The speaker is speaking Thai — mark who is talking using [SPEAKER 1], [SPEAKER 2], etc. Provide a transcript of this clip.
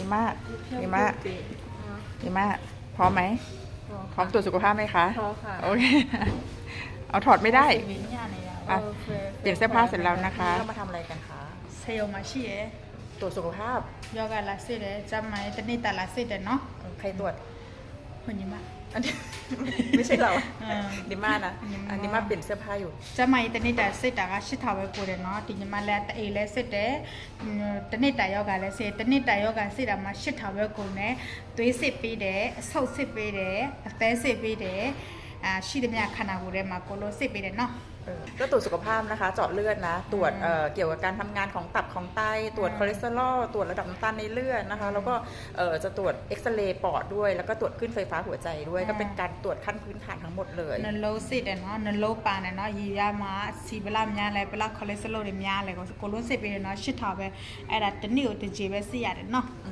[SPEAKER 1] ม่าดีม่าดีม่าพร้อมไหมพร้อมตรวจสุขภาพไหมคะ
[SPEAKER 2] พร้อมค่ะ
[SPEAKER 1] โอเคเอาถอดไม่ได้อ่ะเปลี่ยนเสื้อผ้าเสร็จแล้วนะคะเรามาทำอะไรกันคะ
[SPEAKER 2] เซลมาชีเอ
[SPEAKER 1] ตรวจสุขภาพ
[SPEAKER 2] ยอกาลาซิเดจำไหมตอนนี้แต่ลาซิเดเนาะ
[SPEAKER 1] ใครตรวจ
[SPEAKER 2] คนยิ้มอ่ะ
[SPEAKER 1] อันนี้ไม่ใช่เราดิม่านะอันนี้มาเปลี่ยนเสื้อผ้าอยู่
[SPEAKER 2] จำไหมตอนนี้แต่ซิดก็ชิดเท้าไว้กูเดเนาะทีนี้มาแล้วแต่เอเลซิเดตอนนี้แต่ยอกาเลซิตอนนี้แต่ยอกาซิดมาชิดเท้าไว้กูเนี่ยตัวสิบปีเดสองสิบปีเดแต่สิบปีเดชีดมีอาคานากูเดมาโกโลสิบปีเดเนาะ
[SPEAKER 1] ก็ตรวจสุขภาพนะคะเจาะเลือดนะตรวจเกี่ยวกับการทำงานของตับของไตตรวจคอเลสเตอรอลตรวจระดับน้ำตาลในเลือดนะคะแล้วก็จะตรวจเอ็กซเรย์ปอดด้วยแล้วก็ตรวจขึ้นไฟฟ้าหัวใจด้วยก็เป็นการตรวจขั้นพื้นฐานทั้งหมดเลย
[SPEAKER 2] นโลสิเดเนาะนโลปานเนาะยียามาสีเวลามีอะไรเวลาคอเลสเตอรอลมีอะไรก็โกโลสิบปีเนาะชิดเท้าไปไอ้ดัตนี่อุตจิเวสิยาเนาะ